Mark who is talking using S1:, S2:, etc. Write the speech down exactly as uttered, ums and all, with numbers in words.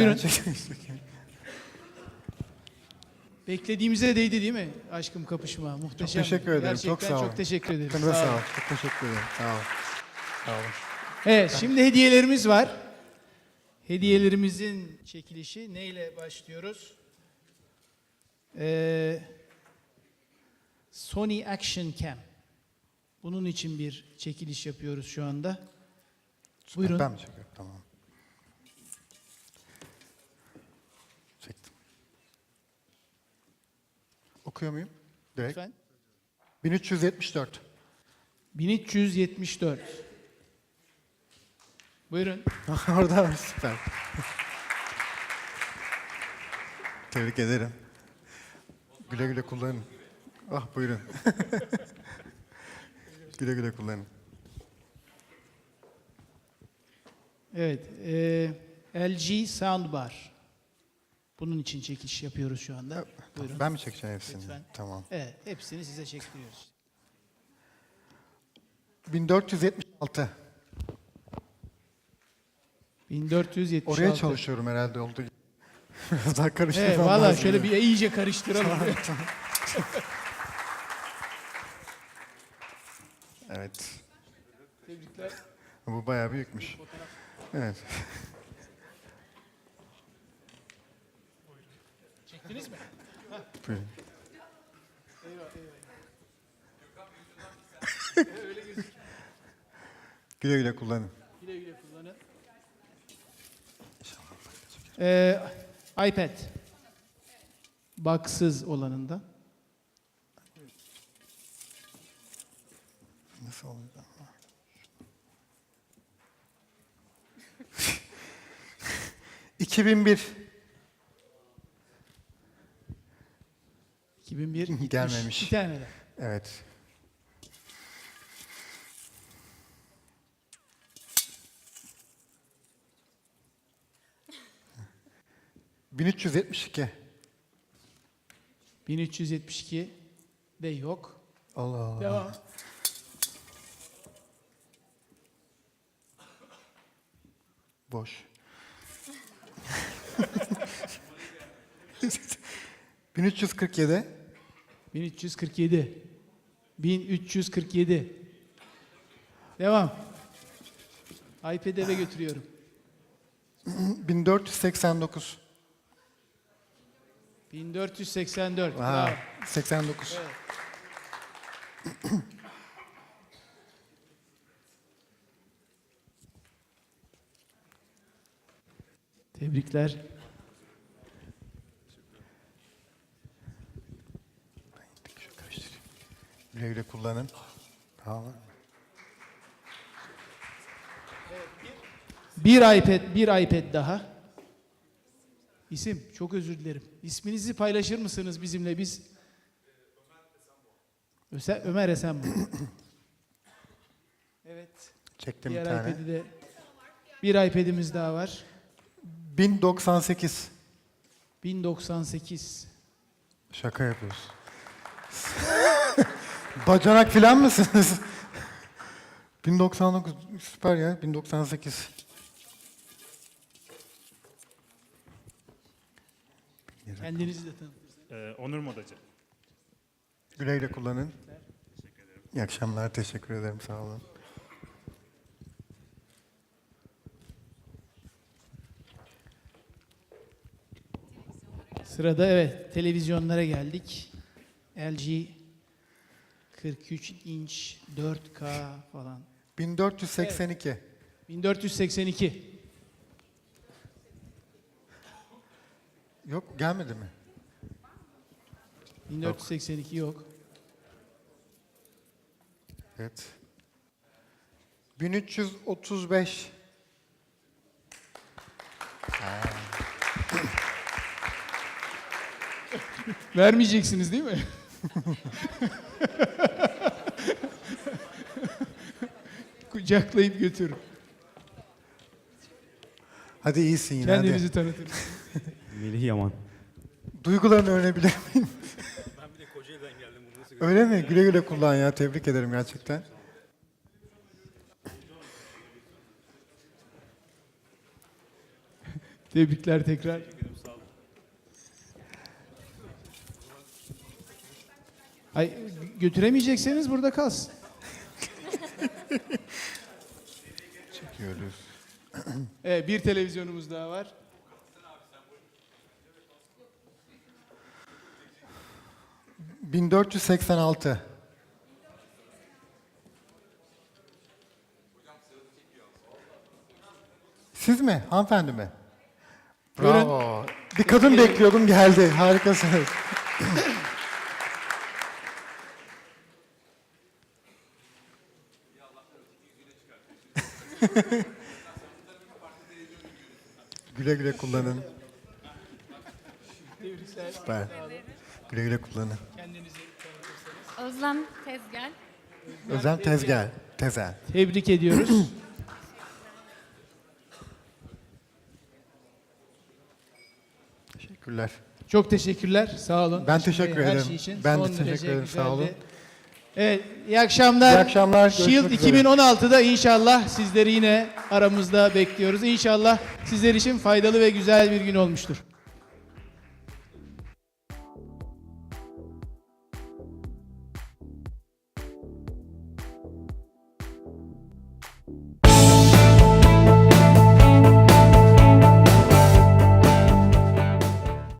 S1: Buyurun.
S2: Gerçekten.
S1: Beklediğimize değdi değil mi aşkım kapışma? Muhteşem.
S2: Çok teşekkür ederim.
S1: Gerçekten
S2: çok sağ olun.
S1: çok teşekkür ederim.
S2: Canınıza
S1: Sağ
S2: sağ
S1: olun.
S2: olun. Çok teşekkür ederim. Sağ olun. Sağ olun.
S1: Evet, şimdi hediyelerimiz var. Hediyelerimizin çekilişi neyle başlıyoruz? Ee, Sony Action Cam. Bunun için bir çekiliş yapıyoruz şu anda. Buyurun.
S2: Ben mi çekiyorum? Tamam. Çektim. Okuyor muyum? Direkt.
S1: Lütfen.
S2: bin üç yüz yetmiş dört.
S1: bin üç yüz yetmiş dört. Buyurun.
S2: Orada var, süper. Tebrik ederim. Güle güle kullanın. Ah buyurun. Güle güle kullanın.
S1: Evet, e, L G Soundbar. Bunun için çekiliş yapıyoruz şu anda. Buyurun.
S2: Ben mi çekeceğim hepsini?
S1: Lütfen.
S2: Tamam.
S1: Evet, hepsini size çektiriyoruz.
S2: bin dört yüz yetmiş altı.
S1: bin dört yüz yetmiş altı.
S2: Oraya çalışıyorum herhalde oldu. Biraz daha karıştırmam
S1: Evet,
S2: lazım.
S1: valla şöyle bir iyice karıştıralım.
S2: Evet.
S1: Tebrikler.
S2: Bu bayağı büyükmüş. Evet.
S1: Çektiniz mi?
S2: Buyurun.
S1: Eyvah, eyvah.
S2: Güle güle kullanın.
S1: Güle güle kullanın. Ee, iPad. Baksız olanında.
S2: Nasıl oluyor? iki bin bir.
S1: iki bin bir gitmiş.
S2: Gelmemiş.
S1: Bir tane de.
S2: Evet. bin üç yüz yetmiş iki.
S1: bin üç yüz yetmiş iki de yok.
S2: Allah Allah.
S1: Devam.
S2: Boş. bin üç yüz kırk yedi.
S1: bin üç yüz kırk yedi. bin üç yüz kırk yedi. Devam. iPad'i eve götürüyorum.
S2: bin dört yüz seksen dokuz.
S1: bin dört yüz seksen dört. Bravo.
S2: Aa, seksen dokuz.
S1: Evet. Tebrikler.
S2: Şu karıştırayım. Güle güle kullanın. Tamam.
S1: Bir iPad, bir iPad daha. İsim, çok özür dilerim. İsminizi paylaşır mısınız bizimle? Biz Öse- Ömer Esenboy. Evet.
S2: Çektim bir
S1: Diğer
S2: tane.
S1: iPad'i de bir iPad'imiz daha var.
S2: bin doksan sekiz.
S1: bin doksan sekiz.
S2: Şaka yapıyorsun. Bacanak filan mısınız? bin doksan dokuz süper ya. bin doksan sekiz.
S1: Kendinizi de tanıtın.
S3: Ee, Onur Modacı.
S2: Güle güle kullanın. İyi akşamlar. Teşekkür ederim. Sağ olun.
S1: Sırada evet televizyonlara geldik. L G kırk üç inç dört K falan.
S2: bin dört yüz seksen iki.
S1: bin dört yüz seksen iki.
S2: Yok gelmedi mi?
S1: bin dört yüz seksen iki yok.
S2: Evet. bin üç yüz otuz beş.
S1: Vermeyeceksiniz değil mi? Kucaklayıp götür.
S2: Hadi iyisin yine.
S1: Kendinizi
S2: Hadi.
S1: tanıtın.
S3: Melih Yaman.
S2: Duygularını öğrenebilir miyim? Ben bir de Kocaeli'den geldim. Öyle mi? Güle güle kullan ya. Tebrik ederim gerçekten.
S1: Tebrikler tekrar. Ay, götüremeyecekseniz burada kalsın.
S2: Çekiyoruz.
S1: Evet, bir televizyonumuz daha var.
S2: bin dört yüz seksen altı. Siz mi? Hanımefendi mi?
S1: Buyurun.
S2: Bravo. Bir kadın bekliyordum, geldi. Harikasınız. Güle güle kullanın. Süper. Güle güle kullanın.
S4: Özlem Tezgel.
S2: Özlem Tezgel. Tezel.
S1: Tebrik ediyoruz.
S2: Teşekkürler.
S1: Çok teşekkürler. Sağ olun.
S2: Ben
S1: Işın
S2: teşekkür
S1: Bey, her
S2: ederim.
S1: şey için.
S2: Ben de
S1: Son
S2: teşekkür
S1: derece
S2: ederim. Sağ
S1: güzeldi.
S2: olun.
S1: Evet, iyi akşamlar.
S2: İyi akşamlar,
S1: Shield
S2: görüşmek üzere.
S1: iki bin on altıda inşallah sizleri yine aramızda bekliyoruz. İnşallah sizler için faydalı ve güzel bir gün olmuştur.